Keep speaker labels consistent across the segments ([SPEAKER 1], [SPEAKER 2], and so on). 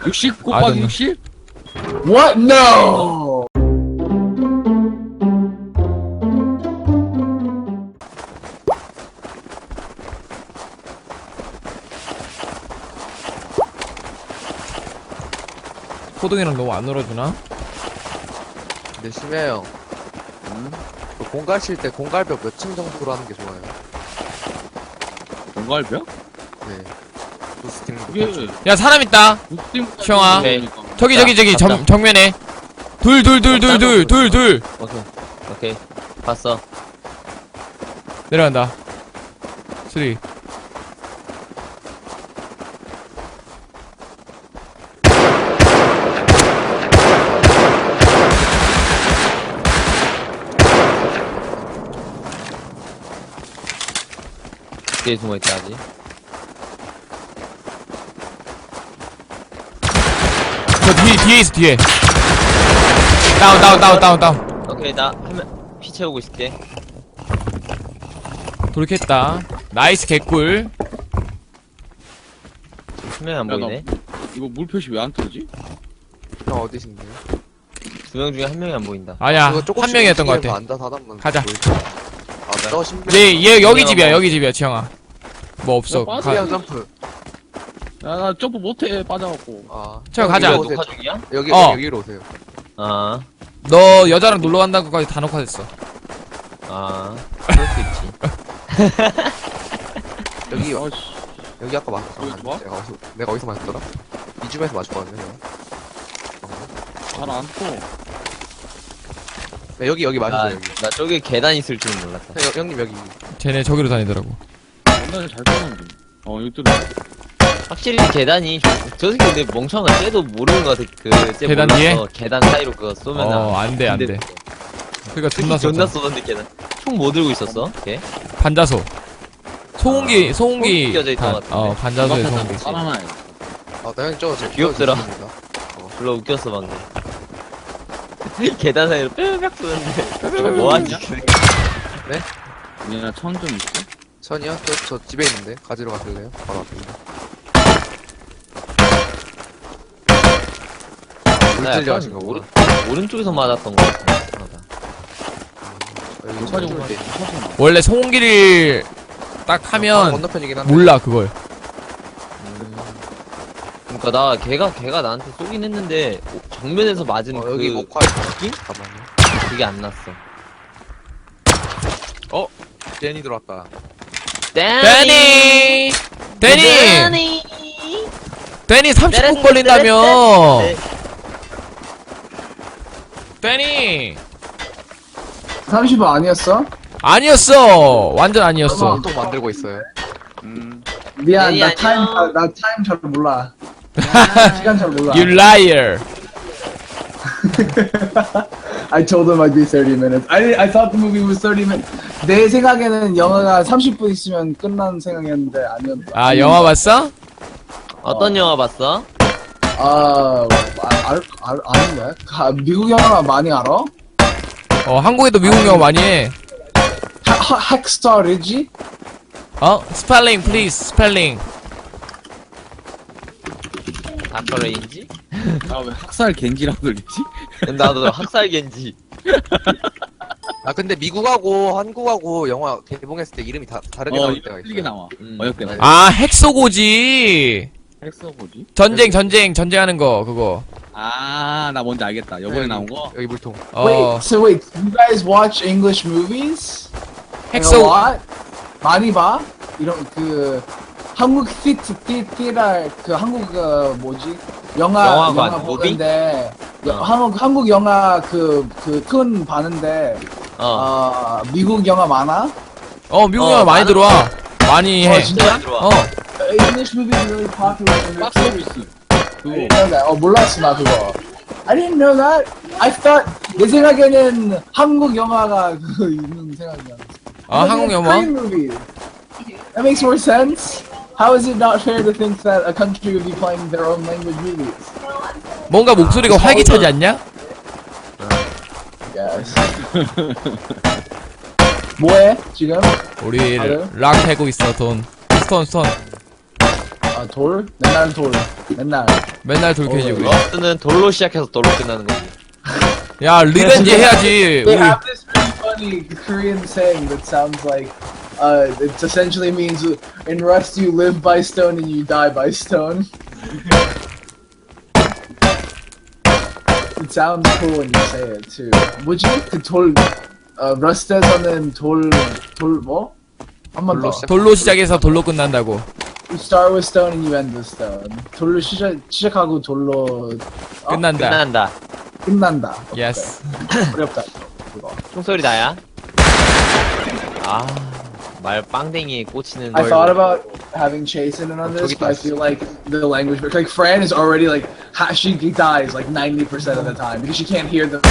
[SPEAKER 1] 60 곱하기
[SPEAKER 2] don't
[SPEAKER 1] 60?
[SPEAKER 3] What? No!
[SPEAKER 2] 호동이랑 너무 안 놀아주나?
[SPEAKER 4] 근데 심해요. 그 공갈 칠 때 공갈벽 몇 층 정도로 하는 게 좋아요?
[SPEAKER 1] 공갈벽?
[SPEAKER 4] 네. 부스팅.
[SPEAKER 1] 그게
[SPEAKER 2] 야 사람 있다. 시영아.
[SPEAKER 1] 오케이.
[SPEAKER 2] 저기
[SPEAKER 5] 갔다.
[SPEAKER 2] 정면에 둘
[SPEAKER 5] 오케이. 봤어.
[SPEAKER 2] 내려간다. 쓰리.
[SPEAKER 5] 뒤에 숨어있다, 아직.
[SPEAKER 2] 저 뒤에 있어 뒤에. 다운.
[SPEAKER 5] 오케이, 나 피 채우고 있을게.
[SPEAKER 2] 돌켰다. 나이스 개꿀.
[SPEAKER 5] 수명이 안
[SPEAKER 1] 야,
[SPEAKER 5] 보이네.
[SPEAKER 1] 이거 물 표시 왜 안 뜨지?
[SPEAKER 4] 형 어디신데요?
[SPEAKER 5] 2명 중에 1명이 안 보인다.
[SPEAKER 2] 아니야
[SPEAKER 4] 그거
[SPEAKER 2] 한
[SPEAKER 4] 조금씩
[SPEAKER 2] 명이었던 것
[SPEAKER 4] 움직이면서
[SPEAKER 2] 같아.
[SPEAKER 4] 앉아서 하다 보면
[SPEAKER 2] 가자.
[SPEAKER 4] 보이죠? 아, 저 신병.
[SPEAKER 2] 얘 여기 집이야 지영아. 뭐 없어.
[SPEAKER 1] 야, 빠져.
[SPEAKER 2] 가.
[SPEAKER 4] 그냥 점프.
[SPEAKER 1] 야, 나 점프 못해, 빠져갖고.
[SPEAKER 4] 아.
[SPEAKER 2] 저 가자.
[SPEAKER 5] 이거
[SPEAKER 4] 오세요.
[SPEAKER 5] 녹화 중이야?
[SPEAKER 4] 여기로 오세요.
[SPEAKER 5] 아,
[SPEAKER 2] 너 여자랑 놀러 간다는 것까지 다 녹화됐어.
[SPEAKER 5] 그럴 수 있지.
[SPEAKER 4] 여기,
[SPEAKER 1] 아씨.
[SPEAKER 4] 여기 아까 맞았잖아.
[SPEAKER 1] 여기 좋아?
[SPEAKER 4] 내가 어디서 맞았더라? 이 집에서 맞았거든요, 형.
[SPEAKER 1] 잘안 떠.
[SPEAKER 4] 네, 여기 맞았어요, 여기.
[SPEAKER 5] 나 저기 계단 있을 줄은 몰랐다.
[SPEAKER 4] 형님, 여기.
[SPEAKER 2] 쟤네 저기로 다니더라고.
[SPEAKER 1] 옛날에 잘 떠는데. 여기 뚫려.
[SPEAKER 5] 확실히 계단이 저 새끼 근데 멍청한 쟤도 모르는 거 같아. 쟤
[SPEAKER 2] 계단
[SPEAKER 5] 몰라서
[SPEAKER 2] 뒤에?
[SPEAKER 5] 계단 사이로 그거 쏘면
[SPEAKER 2] 안돼. 그러니까 존나
[SPEAKER 5] 존나
[SPEAKER 2] 쏘.
[SPEAKER 5] 쏘던데 계단. 총 뭐 들고 있었어? 걔?
[SPEAKER 2] 반자소. 소음기
[SPEAKER 5] 소음기 껴져 있던 것 같은데.
[SPEAKER 2] 반자소에 소음기.
[SPEAKER 1] 살아나요.
[SPEAKER 4] 아, 나 형님 저
[SPEAKER 5] 귀엽더라.
[SPEAKER 4] 있습니다.
[SPEAKER 5] 졸라 웃겼어 방금. 계단 사이로 뼈벽 쏘는데 뭐하지?
[SPEAKER 1] 얘나 천좀 있어?
[SPEAKER 4] 천이요? 저 집에 있는데 가지러 가실래요? 바로 앞입니다.
[SPEAKER 5] 나
[SPEAKER 4] 물질려
[SPEAKER 5] 약간
[SPEAKER 4] 하신 거구나.
[SPEAKER 5] 오른쪽에서 맞았던 거 같아.
[SPEAKER 4] 여기
[SPEAKER 1] 녹화 중
[SPEAKER 4] 줄 때.
[SPEAKER 2] 원래 소음기를 딱
[SPEAKER 4] 바로
[SPEAKER 2] 하면
[SPEAKER 4] 건너편이긴 한데.
[SPEAKER 2] 몰라 그걸.
[SPEAKER 5] 그러니까 나 걔가 나한테 쏘긴 했는데 정면에서 맞은 그
[SPEAKER 4] 여기 목화
[SPEAKER 5] 느낌?
[SPEAKER 4] 잠깐만요.
[SPEAKER 5] 그게 안 났어.
[SPEAKER 4] 제니 들어왔다.
[SPEAKER 2] 데니 30분
[SPEAKER 5] 네.
[SPEAKER 2] 걸린다며. 데니
[SPEAKER 3] 30분 아니었어?
[SPEAKER 2] 아니었어. 완전 아니었어.
[SPEAKER 4] 또 만들고 있어요.
[SPEAKER 3] 미안,
[SPEAKER 5] 아니,
[SPEAKER 3] 나
[SPEAKER 5] 아니요.
[SPEAKER 3] 타임 잘 몰라. 시간 잘 몰라.
[SPEAKER 2] You liar.
[SPEAKER 3] I told him I'd be 30 minutes. I thought the movie was 30 minutes. 내 생각에는 영화가 30분 있으면 끝나는 생각이었는데 아니었다.
[SPEAKER 2] 아 영화 봤어?
[SPEAKER 5] 어떤 영화 봤어?
[SPEAKER 3] 아닌데? 미국 영화 많이 알아?
[SPEAKER 2] 한국에도 미국 영화 많이 해.
[SPEAKER 3] 핵스타 리지?
[SPEAKER 2] 스펠링 플리즈 스펠링.
[SPEAKER 5] 닥터레인지?
[SPEAKER 1] 왜 학살 겐지라고 들리지?
[SPEAKER 5] 나도 학살겐지.
[SPEAKER 4] 아 근데 미국하고 한국하고 영화 개봉했을 때 이름이 다르게 나올 때가
[SPEAKER 1] 틀리게
[SPEAKER 4] 있어요.
[SPEAKER 1] 나와.
[SPEAKER 5] 음.
[SPEAKER 1] 어렵게 나와.
[SPEAKER 2] 아 핵소고지.
[SPEAKER 1] 핵서 뭐지?
[SPEAKER 2] 전쟁하는 거 그거.
[SPEAKER 1] 나 뭔지 알겠다. 요번에 나온 거?
[SPEAKER 4] 여기 물통.
[SPEAKER 3] Wait, you guys watch English movies? A
[SPEAKER 2] 핵소
[SPEAKER 3] lot? 많이 봐? 이런 한국 띠랄 한국 뭐지?
[SPEAKER 5] 영화관,
[SPEAKER 3] 영화
[SPEAKER 5] 무비?
[SPEAKER 3] 보는데
[SPEAKER 5] 어.
[SPEAKER 3] 한국 영화 큰 봤는데 미국 영화 많아?
[SPEAKER 2] 미국 영화 많이
[SPEAKER 5] 많은
[SPEAKER 2] 들어와. 많이 해.
[SPEAKER 3] 진짜?
[SPEAKER 5] 들어와.
[SPEAKER 3] English movies really popular. in
[SPEAKER 1] 박스
[SPEAKER 3] Mexico.
[SPEAKER 1] 오피스.
[SPEAKER 3] I didn't know that. 몰랐어 나 그거. I didn't know that. I thought 내 생각에는 한국 영화가 있는 생각이야.
[SPEAKER 2] 한국 영화?
[SPEAKER 3] Korean movie. That makes more sense. How is it not fair to think that a country would be playing their own language movies?
[SPEAKER 2] 뭔가 목소리가 활기차지 않냐?
[SPEAKER 3] Yes. 뭐해 지금?
[SPEAKER 2] 우리
[SPEAKER 3] 다들?
[SPEAKER 2] 락 해고 있어 돈. 스톤.
[SPEAKER 3] 아, 돌? 맨날 돌. 맨날.
[SPEAKER 2] 맨날 돌캐지 우리.
[SPEAKER 5] 러스트는 돌로 시작해서 돌로 끝나는 거지.
[SPEAKER 2] 야 리벤지 해야지.
[SPEAKER 3] They
[SPEAKER 2] 우리
[SPEAKER 3] have this really funny Korean saying that sounds like, it essentially means in Rust you live by stone and you die by stone. It sounds cool when you say it too. 뭐지? 그 돌, Rust에서는 돌 뭐? 한 번 더.
[SPEAKER 2] 돌로 시작해서 돌로 끝난다고.
[SPEAKER 3] You start with stone and you end with stone. 돌로 시작하고 돌로
[SPEAKER 2] 끝난다.
[SPEAKER 5] 끝난다.
[SPEAKER 3] 끝난다.
[SPEAKER 2] Yes.
[SPEAKER 3] 어렵다. 그거.
[SPEAKER 5] 총소리 나야? 아, 말 빵댕이에 꽂히는
[SPEAKER 3] I
[SPEAKER 5] 걸.
[SPEAKER 3] thought about having Chase in on this, but I feel like the language, like Fran is already like she dies like 90% of the time because she can't hear the.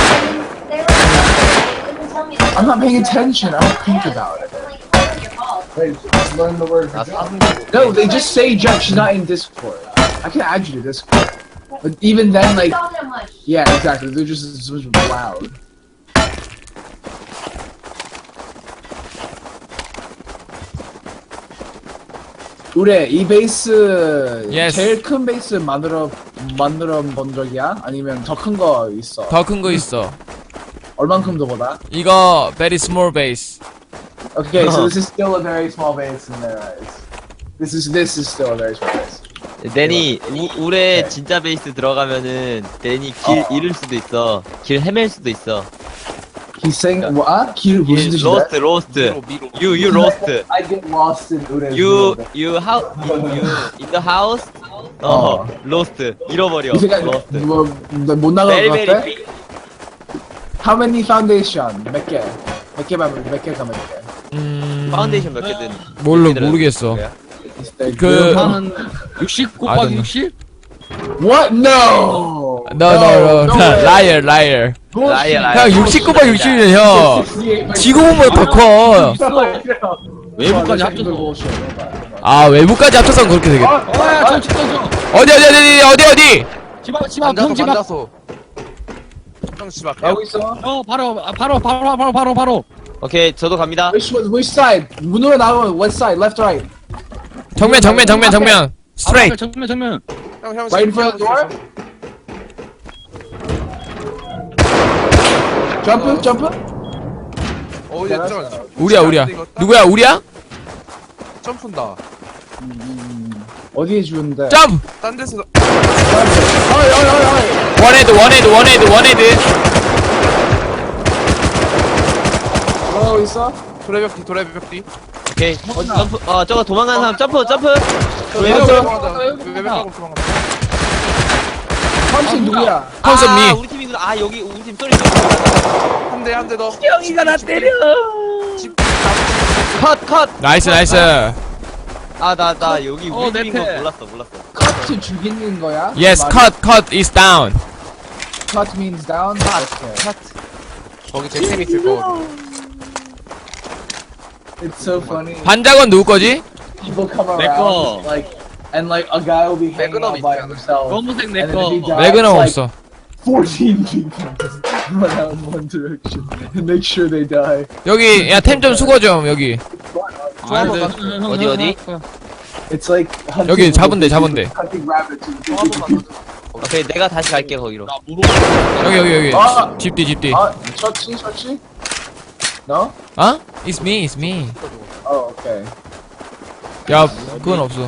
[SPEAKER 3] I'm not paying attention. I don't think about it. Wait, just learn the word.
[SPEAKER 5] 나 사슴.
[SPEAKER 3] No, they just say jump. She's not in Discord. I can add you to Discord, but even then, like, yeah, exactly. They're just so loud. 우리 이 베이스
[SPEAKER 2] Yes.
[SPEAKER 3] 제일 큰 베이스 만들어 본 적이야? 아니면 더 큰 거 있어?
[SPEAKER 2] 더 큰 거 있어.
[SPEAKER 3] 얼만큼 더 보다?
[SPEAKER 2] 이거 very small base.
[SPEAKER 3] Okay, so this is still a very small base in their eyes. This is still a very small base.
[SPEAKER 5] 데니, 울에 진짜 베이스 들어가면은 데니 길 잃을 수도 있어. 길 헤맬 수도 있어.
[SPEAKER 3] He's saying what? 길 무슨 뜻이야?
[SPEAKER 5] 로스트, 로스트. You lost.
[SPEAKER 3] I get lost in Ure's
[SPEAKER 5] You
[SPEAKER 3] world.
[SPEAKER 5] in the house. lost. 잃어버려.
[SPEAKER 3] 이 생각
[SPEAKER 5] lost.
[SPEAKER 3] 뭐못 나갈
[SPEAKER 5] Very
[SPEAKER 3] 것
[SPEAKER 5] very
[SPEAKER 3] 같아?
[SPEAKER 5] big.
[SPEAKER 3] How many foundation? 몇 개? 몇 개가 몇 개?
[SPEAKER 5] 파운데이션 몇 개든.
[SPEAKER 2] 모르겠어.
[SPEAKER 3] Is there
[SPEAKER 2] 그-
[SPEAKER 3] good?
[SPEAKER 1] 한 60
[SPEAKER 2] I don't
[SPEAKER 1] 곱하기
[SPEAKER 2] know.
[SPEAKER 1] 60?
[SPEAKER 3] What? No!
[SPEAKER 2] No. liar.
[SPEAKER 5] Liar.
[SPEAKER 2] 형 69번 60이면 형. 지구본보다 더 커.
[SPEAKER 1] 외부까지 합쳐서.
[SPEAKER 2] 아 외부까지 합쳐서 그렇게 되겠다.
[SPEAKER 1] 야, 저.
[SPEAKER 2] 어디?
[SPEAKER 1] 집 앞, 형 집 앞.
[SPEAKER 4] 형집 앞에.
[SPEAKER 3] 가고 있어?
[SPEAKER 1] 바로.
[SPEAKER 5] 오케이, 저도 갑니다.
[SPEAKER 3] Which side? 문으로 나가면 what side? Left, right?
[SPEAKER 2] 정면. Straight.
[SPEAKER 1] 정면.
[SPEAKER 4] 형
[SPEAKER 3] Right in front of the door? Jump?
[SPEAKER 4] 얘 점.
[SPEAKER 2] 우리야. 누구야? 우리야?
[SPEAKER 4] 점프인다.
[SPEAKER 3] 어디에 주는데?
[SPEAKER 2] 점프.
[SPEAKER 4] 딴 데서
[SPEAKER 3] 어이.
[SPEAKER 2] 원헤드.
[SPEAKER 3] 뭐라고 있어?
[SPEAKER 4] 도래벽 뒤.
[SPEAKER 5] 오케이. 점프. 저거 도망가는 사람 점프.
[SPEAKER 4] 왜
[SPEAKER 3] 맞아.
[SPEAKER 4] 도망간다.
[SPEAKER 3] 탐신 누구야?
[SPEAKER 2] 컴슨 미.
[SPEAKER 5] 우리 팀이구나. 여기 우리 팀 소리.
[SPEAKER 4] 한 대 더.
[SPEAKER 5] 형이가 나 때려. 컷.
[SPEAKER 2] 나이스.
[SPEAKER 5] 나 여기 우리
[SPEAKER 1] 내
[SPEAKER 5] 팀인 거
[SPEAKER 1] 패.
[SPEAKER 5] 몰랐어.
[SPEAKER 3] Cut 죽이는 거야?
[SPEAKER 2] Yes, cut is down.
[SPEAKER 3] Cut means down? Okay.
[SPEAKER 4] 거기 잭템 있을 거.
[SPEAKER 3] It's so funny.
[SPEAKER 2] 반작은 누구 거지?
[SPEAKER 3] People come
[SPEAKER 1] 내 거.
[SPEAKER 3] around and like a guy will be hanging out by himself.
[SPEAKER 1] 검은색 내
[SPEAKER 3] And then
[SPEAKER 1] 거.
[SPEAKER 3] if he dies,
[SPEAKER 2] 레그넘
[SPEAKER 3] like,
[SPEAKER 2] 없어.
[SPEAKER 3] 14 people just run out in one direction and make sure they die.
[SPEAKER 2] 여기 야 템 좀 수거 좀 여기.
[SPEAKER 5] 어디?
[SPEAKER 3] It's like hunting
[SPEAKER 2] 여기
[SPEAKER 3] with
[SPEAKER 2] 잡은데.
[SPEAKER 3] hunting rabbits.
[SPEAKER 5] 오케이, 내가 다시 갈게 거기로.
[SPEAKER 1] 나 물어.
[SPEAKER 2] 여기.
[SPEAKER 3] 아!
[SPEAKER 2] 집뒤.
[SPEAKER 3] 처치? No?
[SPEAKER 2] 어? It's me.
[SPEAKER 3] Oh, okay.
[SPEAKER 2] 야 그건 없어.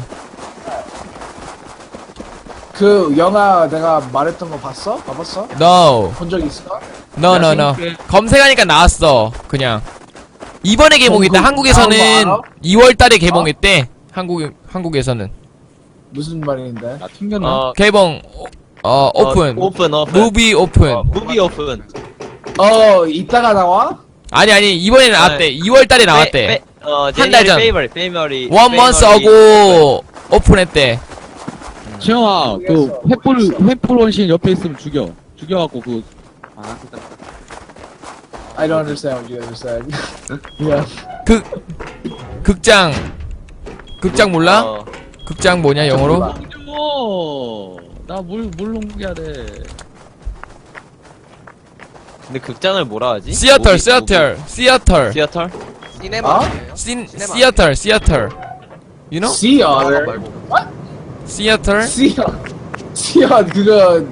[SPEAKER 3] 그 영화 내가 말했던 거 봤어? 봐봤어?
[SPEAKER 2] No.
[SPEAKER 3] 본 적 있어?
[SPEAKER 2] No. 검색하니까 나왔어. 그냥. 이번에 개봉했다. 한국에서는
[SPEAKER 3] 다음 거 알아?
[SPEAKER 2] 2월달에 개봉했대. 한국에서는
[SPEAKER 3] 무슨 말인데?
[SPEAKER 1] 나 튕겼나?
[SPEAKER 2] 개봉 오픈.
[SPEAKER 5] 오픈.
[SPEAKER 2] 무비 오픈.
[SPEAKER 5] 무비 오픈.
[SPEAKER 3] 이따가 나와?
[SPEAKER 2] 아니 이번에 나왔대. 2월달에 나왔대. 한달 전.
[SPEAKER 5] 페이버리.
[SPEAKER 2] One month ago 오픈했대.
[SPEAKER 1] 지영아, 그 횃불 원신 옆에 있으면 죽여갖고 됐다.
[SPEAKER 3] I don't understand what you guys are saying. Yeah.
[SPEAKER 2] 극장 몰라? 극장 뭐냐 영어로?
[SPEAKER 1] 나물 농기해야 돼.
[SPEAKER 5] 근데 극장을 뭐라 하지?
[SPEAKER 2] 시어터.
[SPEAKER 5] 시어터?
[SPEAKER 4] 시네마.
[SPEAKER 2] 시어터. You know?
[SPEAKER 3] Sea otter.
[SPEAKER 4] 말고.
[SPEAKER 3] What?
[SPEAKER 2] 시어터?
[SPEAKER 3] 시연 그거.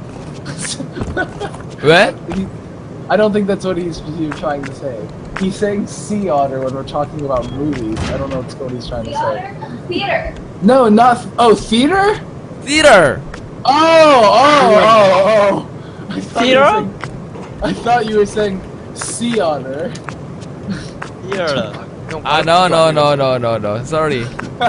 [SPEAKER 2] 왜?
[SPEAKER 3] I don't think that's what he's trying to say. He's saying sea otter when we're talking about movies. I don't know what he's trying to say.
[SPEAKER 6] Theater.
[SPEAKER 3] No, not theater.
[SPEAKER 2] theater.
[SPEAKER 3] Oh.
[SPEAKER 5] Theater?
[SPEAKER 3] I thought you were saying sea otter.
[SPEAKER 5] Here.
[SPEAKER 4] 형
[SPEAKER 2] 아, no. Sorry.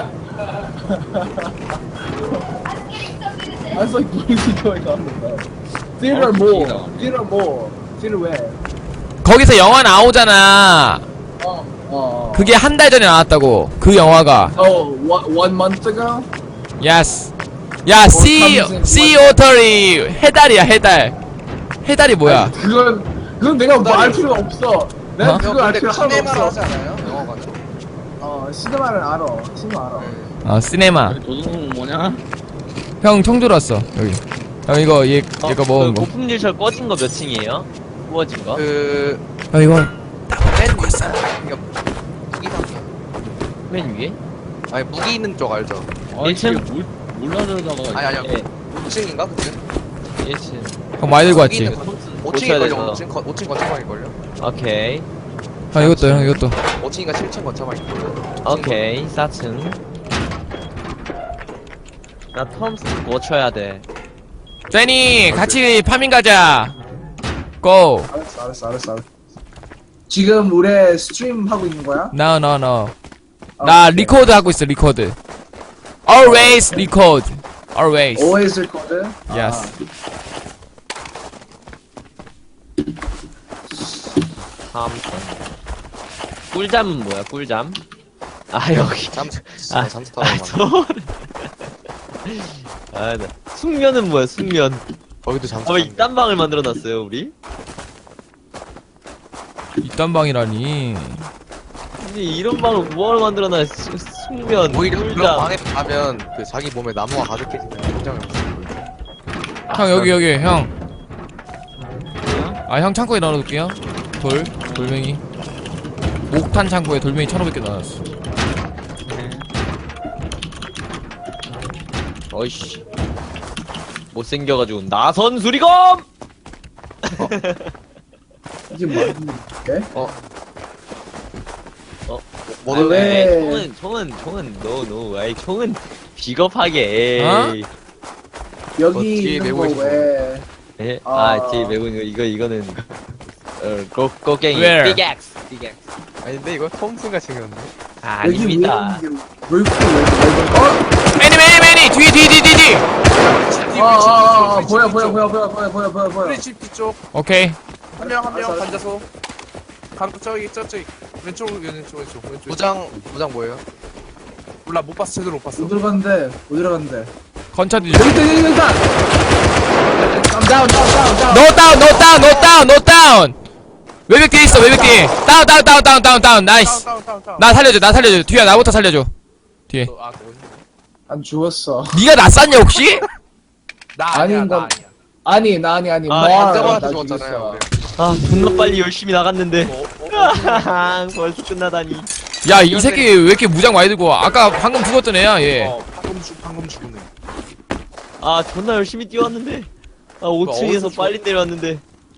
[SPEAKER 3] I was like, what is he going on about? Theater mall. Theater mall. Theater where?
[SPEAKER 2] 거기서 영화 나오잖아. 그게 한 달 전에 나왔다고. 그 영화가.
[SPEAKER 3] Oh, one month ago?
[SPEAKER 2] Yes. 야, sea otter이 해달이야, 해달. 해달이 뭐야?
[SPEAKER 3] 그건 내가 알 필요가 없어. 내가
[SPEAKER 2] 어?
[SPEAKER 3] 그거 알
[SPEAKER 4] 근데
[SPEAKER 3] 필요가
[SPEAKER 4] 카네마를
[SPEAKER 3] 없어.
[SPEAKER 4] 하지 않아요? 영화관은?
[SPEAKER 3] 시네마를 알아. 시네마 알아.
[SPEAKER 2] 시네마.
[SPEAKER 1] 도둑은 뭐냐?
[SPEAKER 2] 형 총 들었어, 여기. 형 이거 얘가 먹은
[SPEAKER 5] 그
[SPEAKER 2] 거.
[SPEAKER 5] 고품질철 꺼진 거 몇 층이에요? 구워진 거?
[SPEAKER 2] 형 이거
[SPEAKER 4] 맨 그러니까 무기방이야.
[SPEAKER 5] 맨 위에?
[SPEAKER 4] 아니 무기 있는 쪽 알죠?
[SPEAKER 1] 아니,
[SPEAKER 5] 일층?
[SPEAKER 1] 이게 몰라주다가.
[SPEAKER 4] 아니
[SPEAKER 5] 예.
[SPEAKER 4] 5층인가 그때?
[SPEAKER 5] 1층.
[SPEAKER 2] 형 많이 들고 왔지.
[SPEAKER 4] 5층일걸요? 5층 건축방일걸요?
[SPEAKER 5] 오케이.
[SPEAKER 2] 형 이것도 형 이것도.
[SPEAKER 4] 5층인가 7층 건축방일걸요?
[SPEAKER 5] 오케이. 4층. 나 톰슨 고쳐야 돼.
[SPEAKER 2] 제니 같이 파밍 가자. 고.
[SPEAKER 3] 알았어. 지금 우리 스트림 하고 있는 거야?
[SPEAKER 2] No. 나 리코드 하고 있어, 리코드. Always record. Always.
[SPEAKER 3] Always record?
[SPEAKER 2] Yes.
[SPEAKER 5] 톰슨. 꿀잠은 뭐야? 꿀잠? 아 여기.
[SPEAKER 4] 잠수
[SPEAKER 5] 아,
[SPEAKER 4] 잠수 타고 막
[SPEAKER 5] 소리. 아, 나. 숙면은 뭐야? 숙면.
[SPEAKER 4] 거기도 잠수
[SPEAKER 5] 아, 왜
[SPEAKER 4] 타고
[SPEAKER 5] 이딴 방을 만들어놨어요, 우리?
[SPEAKER 2] 이딴 방이라니.
[SPEAKER 5] 근데 이런 방을 뭐하러 만들어놔? 숙면,
[SPEAKER 4] 오히려 그런
[SPEAKER 5] 꿀잠.
[SPEAKER 4] 방에 가면 그 자기 몸에 나무가 가득해지는 굉장히
[SPEAKER 2] 형 여기 형. 아 형 창고에 넣어놓을게요. 돌멩이. 목탄 창고에 돌멩이 1,500개 넣어놨어.
[SPEAKER 5] 어이씨. 못생겨가지고, 나선 수리검!
[SPEAKER 3] 이게 뭐야?
[SPEAKER 4] 뭐
[SPEAKER 5] 아,
[SPEAKER 3] 왜?
[SPEAKER 5] 총은, no. 아이, 총은 비겁하게, 에이.
[SPEAKER 3] 여기
[SPEAKER 4] 뒤에
[SPEAKER 3] 있는
[SPEAKER 4] 메고
[SPEAKER 3] 거
[SPEAKER 4] 계신
[SPEAKER 3] 왜?
[SPEAKER 5] 예?
[SPEAKER 3] 아.
[SPEAKER 5] 뒤에 메고 있는 거, 이거는, 곡괭이,
[SPEAKER 2] Where?
[SPEAKER 5] 빅엑스.
[SPEAKER 4] 아닌데 이거 톰슨가 생겼네.
[SPEAKER 5] 아,
[SPEAKER 3] 여기 위에
[SPEAKER 5] 아닙니다.
[SPEAKER 3] 있는 게 왜 이렇게
[SPEAKER 2] 매니 뒤.
[SPEAKER 3] 보여.
[SPEAKER 7] 프리집티 쪽.
[SPEAKER 2] 오케이.
[SPEAKER 7] 한 명
[SPEAKER 3] 알았어.
[SPEAKER 7] 앉아서. 가로 저기. 왼쪽.
[SPEAKER 4] 무장 뭐예요?
[SPEAKER 7] 몰라, 못 봤어. 제대로 못 봤어.
[SPEAKER 3] 못 들어갔는데.
[SPEAKER 2] 건차 뒤.
[SPEAKER 3] 여기 있다. 다운.
[SPEAKER 2] No down. 외벽 뒤에 있어, 외벽 뒤에. 다운. 나이스.
[SPEAKER 7] 다운.
[SPEAKER 2] 나 살려줘. 뒤야, 나부터 살려줘. 뒤에.
[SPEAKER 7] 너 어디?
[SPEAKER 3] 안 죽었어.
[SPEAKER 2] 니가 나 쐈냐, 혹시?
[SPEAKER 7] 나 아니야,
[SPEAKER 3] 아닌
[SPEAKER 7] 나
[SPEAKER 3] 건-
[SPEAKER 7] 아니야.
[SPEAKER 3] 나 아니.
[SPEAKER 5] 아,
[SPEAKER 3] 뭘,
[SPEAKER 4] 환자한테
[SPEAKER 3] 나
[SPEAKER 4] 죽었잖아요.
[SPEAKER 3] 죽였어.
[SPEAKER 5] 아, 존나 빨리 열심히 나갔는데. 벌써 끝나다니.
[SPEAKER 2] 야, 이 새끼 왜 이렇게 무장 많이 들고 와? 아까 방금 죽었던 애야, 얘.
[SPEAKER 7] 방금 죽었네.
[SPEAKER 5] 아, 존나 열심히 뛰어왔는데. 아, 5층에서
[SPEAKER 7] 어디서
[SPEAKER 5] 빨리 내려왔는데.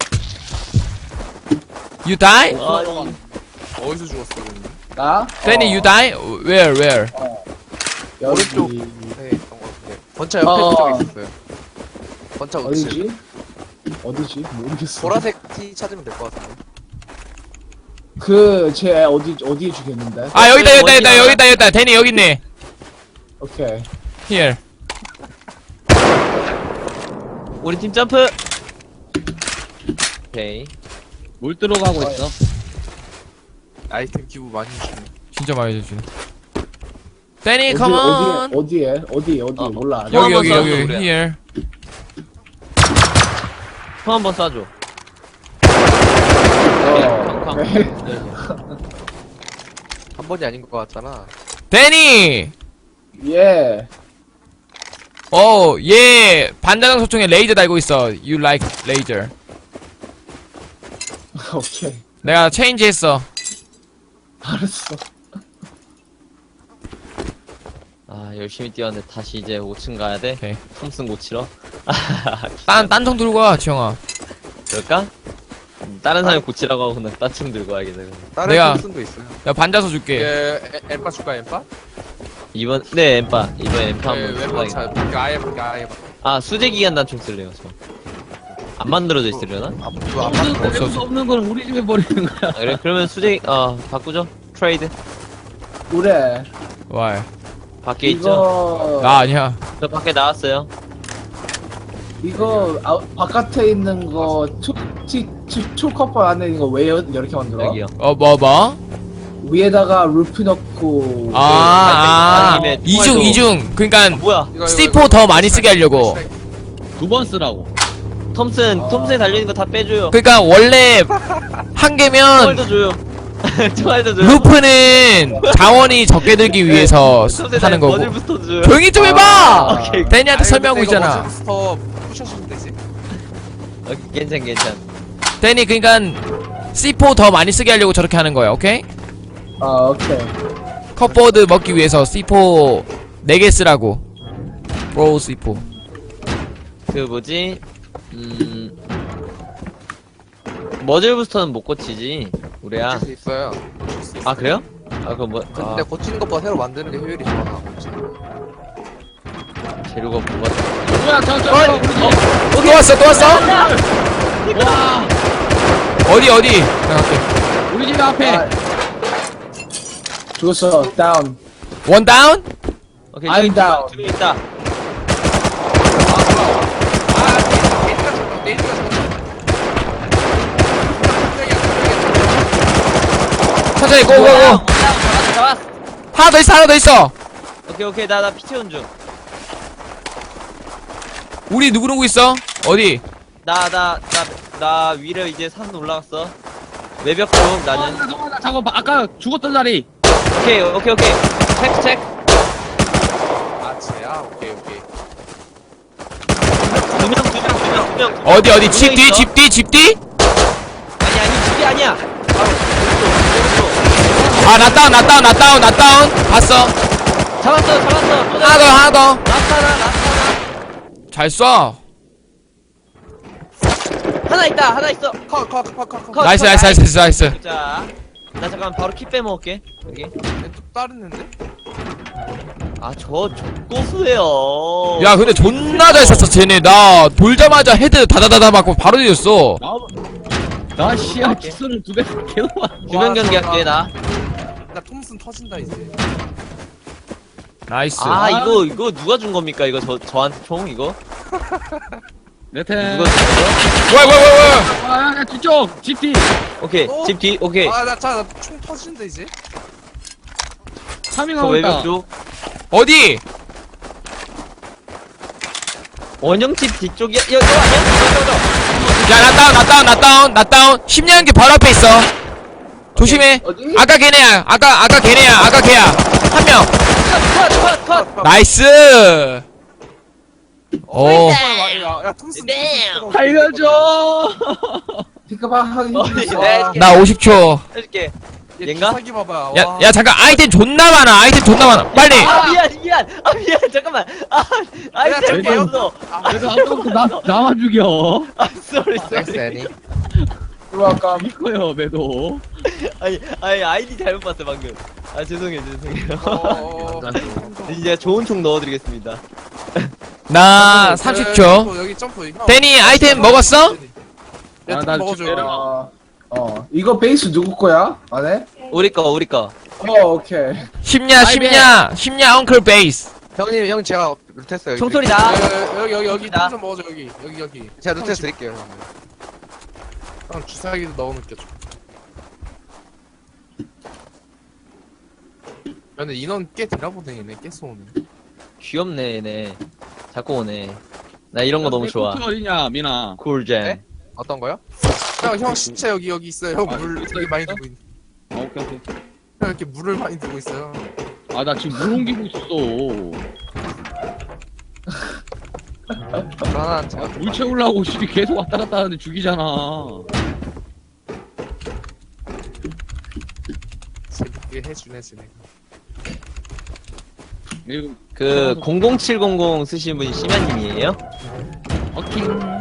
[SPEAKER 2] You die?
[SPEAKER 5] 아니,
[SPEAKER 7] 어디서 죽었어, 그러면?
[SPEAKER 3] 나?
[SPEAKER 2] Danny, you die? Where?
[SPEAKER 3] 여기.
[SPEAKER 7] 오른쪽.
[SPEAKER 4] 네, 그런 거 같은데. 건차 옆에 쪽에 있었어요. 건차 우측.
[SPEAKER 3] 어디지? 모르겠어.
[SPEAKER 4] 보라색 티 찾으면 될 것 같은데.
[SPEAKER 3] 쟤 어디에 죽였는데?
[SPEAKER 2] 아, 여기다. Danny, 여기 있네.
[SPEAKER 3] 오케이.
[SPEAKER 2] Here.
[SPEAKER 5] 우리 팀 점프! 오케이.
[SPEAKER 1] 물 들어가고 있어.
[SPEAKER 7] 아이템 기부 많이 주네.
[SPEAKER 2] 진짜 많이 해주네. Danny, come on.
[SPEAKER 3] 어디에? 몰라.
[SPEAKER 5] 형
[SPEAKER 2] 여기,
[SPEAKER 5] 한번 쏴줘, 그래.
[SPEAKER 2] here.
[SPEAKER 5] 총 한번 쏴줘. 쾅쾅.
[SPEAKER 3] 오케이.
[SPEAKER 4] 한 번이 아닌 것 같잖아.
[SPEAKER 2] Danny!
[SPEAKER 3] 예.
[SPEAKER 2] 얘 반자동 소총에 레이저 달고 있어. You like laser.
[SPEAKER 3] 오케이.
[SPEAKER 2] 내가 체인지 했어.
[SPEAKER 3] 알았어.
[SPEAKER 5] 아, 열심히 뛰었는데 다시 이제 5층 가야 돼?
[SPEAKER 2] 오케이.
[SPEAKER 5] 톰슨 고치러?
[SPEAKER 2] 딴총 들고 와, 지영아.
[SPEAKER 5] 그럴까? 다른 사람이 고치라고 하고 그냥 딴층 들고 와야겠네. 그럼.
[SPEAKER 4] 다른
[SPEAKER 2] 내가-
[SPEAKER 4] 톰슨도 있어요.
[SPEAKER 2] 야, 반자서 줄게.
[SPEAKER 7] 엠파 줄까 엠파?
[SPEAKER 5] 네, 엠파. 이번에 엠파 한번
[SPEAKER 7] 왼쪽 차.
[SPEAKER 5] 써야겠다.
[SPEAKER 7] 아예 아예.
[SPEAKER 5] 아, 수제 기간 단총 쓸래요, 저. 안 만들어져 있으려나?
[SPEAKER 1] 없을 수 없는 건 우리 집에 버리는 거야.
[SPEAKER 5] 아, 그래? 그러면 수제, 바꾸죠? 트레이드.
[SPEAKER 3] 그래.
[SPEAKER 5] 아,
[SPEAKER 2] 와,
[SPEAKER 5] 밖에 있죠?
[SPEAKER 3] 이거
[SPEAKER 2] 나 아니야.
[SPEAKER 5] 저 밖에 나왔어요.
[SPEAKER 3] 바깥에 있는 거 초커퍼 안에 있는 거 왜 이렇게 만들어?
[SPEAKER 5] 여기요.
[SPEAKER 2] 뭐?
[SPEAKER 3] 위에다가 루프 넣고
[SPEAKER 5] 아니면
[SPEAKER 2] 이중. 그니까,
[SPEAKER 5] 뭐야?
[SPEAKER 2] C4 더 많이 쓰게 하려고.
[SPEAKER 1] 2번 쓰라고.
[SPEAKER 5] 톰슨에 달려있는 거 다 빼줘요.
[SPEAKER 2] 그니까, 원래, 한 개면,
[SPEAKER 5] 총알도 줘요. 총알도 줘요.
[SPEAKER 2] 루프는 자원이 적게 들기 위해서
[SPEAKER 5] 톰슨에
[SPEAKER 2] 하는 거고.
[SPEAKER 5] 머들 부스터도 줘요.
[SPEAKER 2] 조용히 좀 해봐!
[SPEAKER 5] 오케이.
[SPEAKER 2] 데니한테 설명하고 있잖아.
[SPEAKER 7] 더 푸셔주면 되지.
[SPEAKER 5] 괜찮.
[SPEAKER 2] 데니, 그니까, C4 더 많이 쓰게 하려고 저렇게 하는 거야, 오케이?
[SPEAKER 3] 오케이.
[SPEAKER 2] 컵보드 먹기 위해서 C4 4개 쓰라고. 브로우 C4.
[SPEAKER 5] 그 뭐지? 머즐 부스터는 못 고치지. 우리야.
[SPEAKER 4] 고칠 수 있어요.
[SPEAKER 5] 아, 그래요? 아, 그럼 뭐,
[SPEAKER 4] 근데 고치는 것보다 새로 만드는 게 효율이 좋아.
[SPEAKER 5] 재료가 뭐가.
[SPEAKER 1] 뭐야,
[SPEAKER 2] 또 왔어?
[SPEAKER 1] 와,
[SPEAKER 2] 어디? 나 갈게.
[SPEAKER 1] 우리 집 앞에.
[SPEAKER 3] 죽었어. 다운.
[SPEAKER 2] 원 다운?
[SPEAKER 5] 오케이,
[SPEAKER 3] I'm down.
[SPEAKER 5] 저기 있다.
[SPEAKER 2] 천천히, 고고고.
[SPEAKER 5] 잡았어.
[SPEAKER 2] 하나 더 있어.
[SPEAKER 5] 오케이, 나 피 채운 중.
[SPEAKER 2] 우리 누구 있어? 어디?
[SPEAKER 5] 나 위로 이제 산 올라갔어. 외벽 쪽 나는.
[SPEAKER 1] 잠깐만, 아까 죽었던 자리.
[SPEAKER 5] 오케이. 체크.
[SPEAKER 7] 아 쟤야. 오케이.
[SPEAKER 5] 두 명.
[SPEAKER 2] 어디? 집 뒤? 집 뒤?
[SPEAKER 5] 아니, 집이 아니야. 바로 오른쪽.
[SPEAKER 2] 아, 나 다운. 봤어.
[SPEAKER 5] 잡았어. 또
[SPEAKER 2] 하나 더.
[SPEAKER 5] 라스타나.
[SPEAKER 2] 잘 쏴.
[SPEAKER 5] 하나 있어.
[SPEAKER 7] 컷.
[SPEAKER 2] 나이스.
[SPEAKER 5] 자, 나 잠깐 바로 키 빼먹을게. 여기.
[SPEAKER 7] 또 다른 애인데?
[SPEAKER 5] 아, 저 고수예요.
[SPEAKER 2] 야, 근데 존나 잘 쐈어, 쟤네. 나 돌자마자 헤드 다다다다 맞고 바로 뒤졌어.
[SPEAKER 1] 나 씨야, 기술을 2배 계속 와.
[SPEAKER 5] 주변 경기 할게, 나.
[SPEAKER 7] 나 톰슨 터진다 이제.
[SPEAKER 2] 나이스.
[SPEAKER 5] 아, 이거 누가 준 겁니까? 이거 저한테 총, 이거?
[SPEAKER 1] 네템.
[SPEAKER 5] 누가 준 거요?
[SPEAKER 2] 왜?
[SPEAKER 1] 아, 뒤쪽! GT!
[SPEAKER 5] 오케이,
[SPEAKER 7] 어?
[SPEAKER 5] 집 뒤, 오케이.
[SPEAKER 7] 나총 터진다 이제.
[SPEAKER 5] 저
[SPEAKER 1] 차밍하고 있다.
[SPEAKER 5] 외벽 쪽.
[SPEAKER 2] 어디?
[SPEAKER 5] 원형집 뒤쪽이야. 야, 너 아니야?
[SPEAKER 2] 야, 나 다운. 10년 게 바로 앞에 있어. 조심해.
[SPEAKER 3] 어디?
[SPEAKER 2] 아까 걔네야. 아까 걔야. 한 명.
[SPEAKER 5] 컷.
[SPEAKER 2] 나이스. 오.
[SPEAKER 7] 야 톰슨.
[SPEAKER 1] 살려줘!
[SPEAKER 3] 피크박 하기 힘들어.
[SPEAKER 5] 네.
[SPEAKER 2] 나 50초.
[SPEAKER 5] 해줄게.
[SPEAKER 7] 얘
[SPEAKER 5] 얘인가?
[SPEAKER 7] 기사기 봐봐.
[SPEAKER 2] 야, 잠깐. 아이템 존나 많아. 빨리.
[SPEAKER 5] 아, 미안. 잠깐만. 아이템
[SPEAKER 7] 저기요?
[SPEAKER 5] 없어.
[SPEAKER 1] 그래도 아까부터 나만 죽여.
[SPEAKER 5] 쏘리.
[SPEAKER 4] 섹스 애니.
[SPEAKER 3] 들어갈까?
[SPEAKER 1] 이거요, 매도.
[SPEAKER 5] 아니, 아이디 잘못 봤어, 방금. 아, 죄송해요.
[SPEAKER 7] 어.
[SPEAKER 5] 이제 좋은 총 넣어드리겠습니다.
[SPEAKER 2] 나 30초.
[SPEAKER 7] 여기 점프.
[SPEAKER 2] 데니, 아이템 먹었어?
[SPEAKER 7] 야,
[SPEAKER 1] 아,
[SPEAKER 7] 좀
[SPEAKER 1] 나
[SPEAKER 7] 먹어줘.
[SPEAKER 1] 지금 내려가.
[SPEAKER 3] 이거 베이스 누구 거야? 안에?
[SPEAKER 5] 우리 거.
[SPEAKER 3] 오케이.
[SPEAKER 2] 심야 엉클 베이스.
[SPEAKER 4] 형 제가 루테스
[SPEAKER 5] 총소리 나.
[SPEAKER 7] 여기
[SPEAKER 5] 나.
[SPEAKER 7] 톰슨 먹어줘 여기.
[SPEAKER 4] 제가 루테스 드릴게요. 형.
[SPEAKER 7] 형 주사기도 넣어놓게 줘. 근데 인원 꽤 되나보네 얘네 꽤 쏘네.
[SPEAKER 5] 귀엽네, 얘네. 자꾸 오네. 나 이런 거 너무 좋아.
[SPEAKER 1] 코트 어디냐, 민아.
[SPEAKER 5] 쿨잼.
[SPEAKER 4] 네? 어떤 거요?
[SPEAKER 7] 형 신체 여기 있어요. 형 물 되게 많이 두고 있네.
[SPEAKER 1] 오케이.
[SPEAKER 7] 형 이렇게 물을 많이 두고 있어요.
[SPEAKER 1] 아, 나 지금 물 옮기고 있었어.
[SPEAKER 4] 하나 제가
[SPEAKER 1] 물 채우려고 시비 계속 왔다 갔다 하는데 죽이잖아.
[SPEAKER 7] 재밌게 해주네.
[SPEAKER 5] 그 00700 쓰신 분이 심야님이에요?
[SPEAKER 1] 오케이.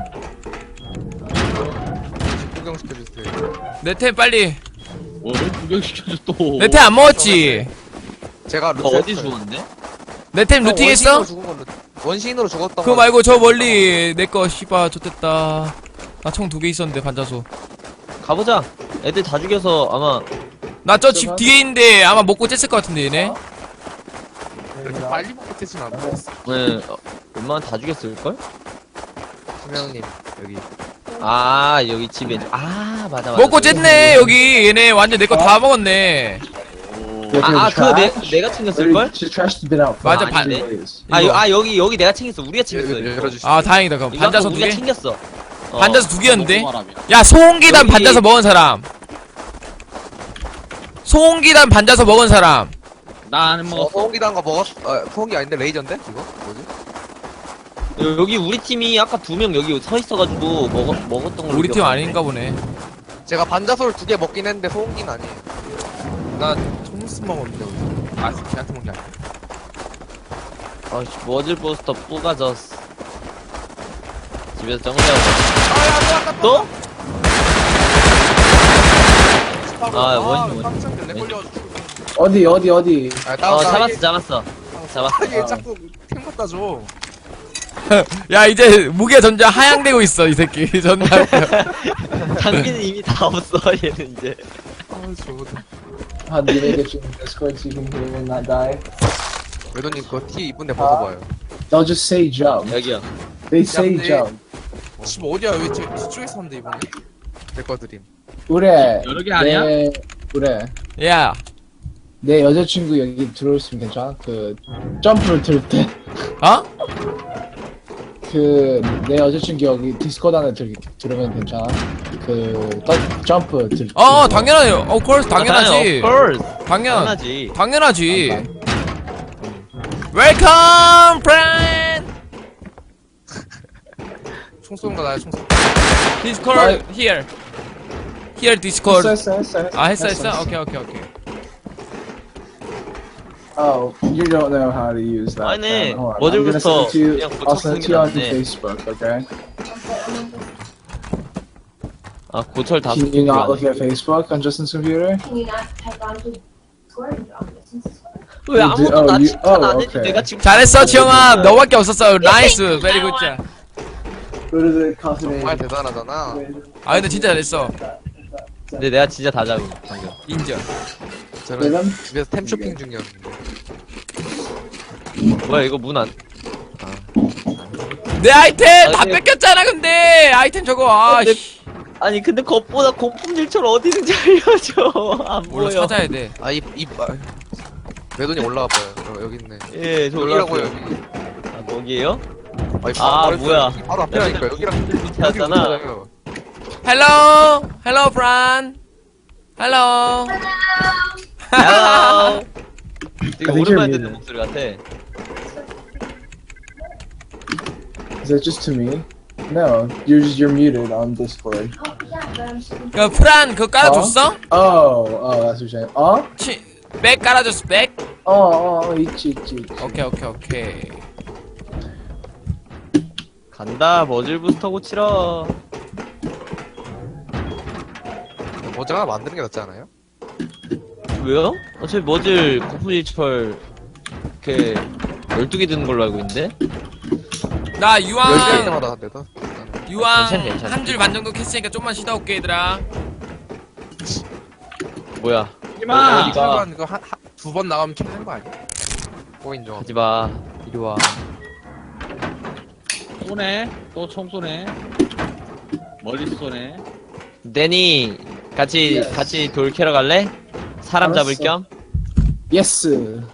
[SPEAKER 7] 구경시켜주세요.
[SPEAKER 2] 내 템 빨리.
[SPEAKER 1] 뭐를 구경시켜줘 또.
[SPEAKER 2] 내 템 안 먹었지?
[SPEAKER 7] 제가
[SPEAKER 5] 너 어디 죽었는데?
[SPEAKER 2] 내 템 루팅했어?
[SPEAKER 7] 원시인으로 죽었던
[SPEAKER 2] 그거 말고 저 멀리 내 거 씨발 좋댔다. 나 총 2개 있었는데 반자소.
[SPEAKER 5] 가보자. 애들 다 죽여서 아마
[SPEAKER 2] 나 저 집 뒤에 있는데 아마 먹고 쬐을 것 같은데 얘네.
[SPEAKER 7] 이렇게 빨리 먹고 되진 않아.
[SPEAKER 5] 네, 웬만하면 다 죽였을걸?
[SPEAKER 4] 수명님 여기
[SPEAKER 5] 아 여기 집에 아 맞아
[SPEAKER 2] 먹고 쬐네 여기 얘네 완전 내 거 다 먹었네.
[SPEAKER 5] 그거 내가 챙겼을걸?
[SPEAKER 3] Trash's been out for
[SPEAKER 2] 맞아,
[SPEAKER 3] like
[SPEAKER 2] 반-
[SPEAKER 3] 3 days.
[SPEAKER 5] 여기 내가 챙겼어. 우리가 챙겼어. 이거.
[SPEAKER 7] 열어주시죠.
[SPEAKER 2] 아 다행이다 그럼.
[SPEAKER 5] 이거
[SPEAKER 2] 반자소
[SPEAKER 5] 아까
[SPEAKER 2] 2개?
[SPEAKER 5] 우리가 챙겼어.
[SPEAKER 2] 반자소 2개였는데?
[SPEAKER 1] 먹어봐라,
[SPEAKER 2] 야 소홍기단
[SPEAKER 5] 여기-
[SPEAKER 2] 반자서 먹은 사람. 소홍기단 반자서 먹은 사람.
[SPEAKER 1] 나는 먹었어.
[SPEAKER 7] 소고기단 거 먹었. 소고기 아닌데 레이저인데 이거 뭐지?
[SPEAKER 5] 여기 우리 팀이 아까 2명 여기 서 있어가지고 먹었던 걸
[SPEAKER 2] 우리 팀 아닌가 보네.
[SPEAKER 7] 제가 반자솔 2개 먹긴 했는데 소고기는 아니에요. 나 총스 먹었는데 어디서? 아 걔한테 먹는 게 아니야.
[SPEAKER 5] 아씨 머즐 포스터 뿌가졌어. 집에서 정리하고. 또? 아, 원신.
[SPEAKER 7] 깜짝이야 내 걸려가지고.
[SPEAKER 3] 어디?
[SPEAKER 5] 잡았어.
[SPEAKER 7] 얘 자꾸 템 갖다 줘.
[SPEAKER 2] 야 이제 무게 점점 하향되고 있어 이 새끼. 존나.
[SPEAKER 5] 장비는 이미 다 없어 얘는 이제.
[SPEAKER 7] 아 저거다.
[SPEAKER 3] How do they get you in Discord so you can hear and not die?
[SPEAKER 7] 외도님 그거 티 이쁜데 벗어봐요.
[SPEAKER 3] They'll just say jump.
[SPEAKER 5] 여기요.
[SPEAKER 3] They say
[SPEAKER 7] 근데-
[SPEAKER 3] jump.
[SPEAKER 7] 집 어디야? 왜 뒤쪽에 사는데 이번에? 내거 드림.
[SPEAKER 3] 그래.
[SPEAKER 1] 여러 개 아니야?
[SPEAKER 3] 그래.
[SPEAKER 2] 야.
[SPEAKER 3] 내 여자친구 여기 들어올으면 괜찮아? 그 점프를 들 때.
[SPEAKER 2] 어?
[SPEAKER 3] 그 내 여자친구 여기 디스코드 안에 들으면 괜찮아? 점프 들.
[SPEAKER 2] 당연하요. of course 당연하지.
[SPEAKER 5] Of course.
[SPEAKER 2] 당연.
[SPEAKER 5] 당연하지.
[SPEAKER 2] 당연하지. Welcome, friend.
[SPEAKER 7] 총 쏘는 거 나야 총 쏘.
[SPEAKER 2] Discord here. Here Discord.
[SPEAKER 3] 했어.
[SPEAKER 2] 아 했어. 오케이.
[SPEAKER 3] Oh, you don't know how to use that.
[SPEAKER 5] 아니,
[SPEAKER 3] then. Hold on.
[SPEAKER 5] 머즐
[SPEAKER 3] I'm gonna
[SPEAKER 5] 부터
[SPEAKER 3] send it to you.
[SPEAKER 5] 그냥
[SPEAKER 3] I'll send it to you on
[SPEAKER 5] 고쳐
[SPEAKER 3] Facebook, okay?
[SPEAKER 5] 아 고철 다.
[SPEAKER 3] Can you not look at Facebook on Justin's computer?
[SPEAKER 6] Can you not type onto Discord on this Discord?
[SPEAKER 5] 왜 아무도 나
[SPEAKER 3] you-
[SPEAKER 5] 칭찬 안 해줘?
[SPEAKER 3] okay.
[SPEAKER 5] 내가 지금
[SPEAKER 2] 잘했어 지영아. 너밖에 없었어. 나이스. 베리 굿자.
[SPEAKER 3] Go to the cultivated.
[SPEAKER 7] 정말 대단하잖아.
[SPEAKER 2] 아 근데 진짜 잘했어.
[SPEAKER 5] 근데 내가 진짜 다 잡은 방금.
[SPEAKER 2] 인정.
[SPEAKER 7] 저는
[SPEAKER 3] 내가?
[SPEAKER 7] 집에서 템 쇼핑 중이었는데.
[SPEAKER 5] 뭐야 이거 문 안?
[SPEAKER 2] 내 아이템 다
[SPEAKER 5] 아니,
[SPEAKER 2] 뺏겼잖아 근데. 아이템 저거. 아
[SPEAKER 5] 근데-
[SPEAKER 2] 씨.
[SPEAKER 5] 아니 근데 겉보다 공품일처럼 어디 있는지 알려줘. 안
[SPEAKER 2] 몰라
[SPEAKER 5] 보여.
[SPEAKER 2] 찾아야 돼.
[SPEAKER 7] 외돈이 올라와 봐요. 여기 있네.
[SPEAKER 5] 예, 저
[SPEAKER 7] 여기라고요
[SPEAKER 5] 올라왔어요.
[SPEAKER 7] 여기.
[SPEAKER 5] 아 거기에요?
[SPEAKER 7] 아니,
[SPEAKER 5] 아,
[SPEAKER 7] 바로
[SPEAKER 5] 뭐야.
[SPEAKER 7] 바로 앞이라니까 여기랑
[SPEAKER 5] 밑에였잖아.
[SPEAKER 7] 여기랑
[SPEAKER 2] Hello, friend. Hello.
[SPEAKER 5] 헬로. 되게
[SPEAKER 3] I think
[SPEAKER 5] 오랜만에
[SPEAKER 3] you're
[SPEAKER 5] 듣는
[SPEAKER 3] muted.
[SPEAKER 5] 목소리 같아.
[SPEAKER 3] Is that just to me? No, you're muted on Discord.
[SPEAKER 6] Oh, yeah, but I'm just
[SPEAKER 2] 그 프란 그거 깔아줬어?
[SPEAKER 3] Oh, that's what you're saying.
[SPEAKER 2] 백 깔아줬어 백?
[SPEAKER 3] 있지.
[SPEAKER 2] 오케이.
[SPEAKER 5] 간다 머즐 부스터 고치러.
[SPEAKER 7] 모자가 만드는 게 낫지 않아요?
[SPEAKER 5] 왜요? 어차피 머즐 고품일철 이렇게 12개 드는 걸로 알고 있는데?
[SPEAKER 2] 나
[SPEAKER 7] 10개 할
[SPEAKER 2] 유황
[SPEAKER 7] 때마다 한 대다.
[SPEAKER 5] 괜찮아.
[SPEAKER 2] 한 줄 반 정도 캤으니까 좀만 쉬다 올게 얘들아.
[SPEAKER 5] 뭐야?
[SPEAKER 1] 하지마.
[SPEAKER 7] 이거 이거 두 번 나가면 켜는 거 아니야? 고인정.
[SPEAKER 5] 하지마. 이리 와.
[SPEAKER 1] 쏘네. 또 총 쏘네. 멀리 쏘네.
[SPEAKER 5] 데니 같이 돌 캐러 갈래? 사람
[SPEAKER 3] 알았어.
[SPEAKER 5] 잡을 겸?
[SPEAKER 3] Yes.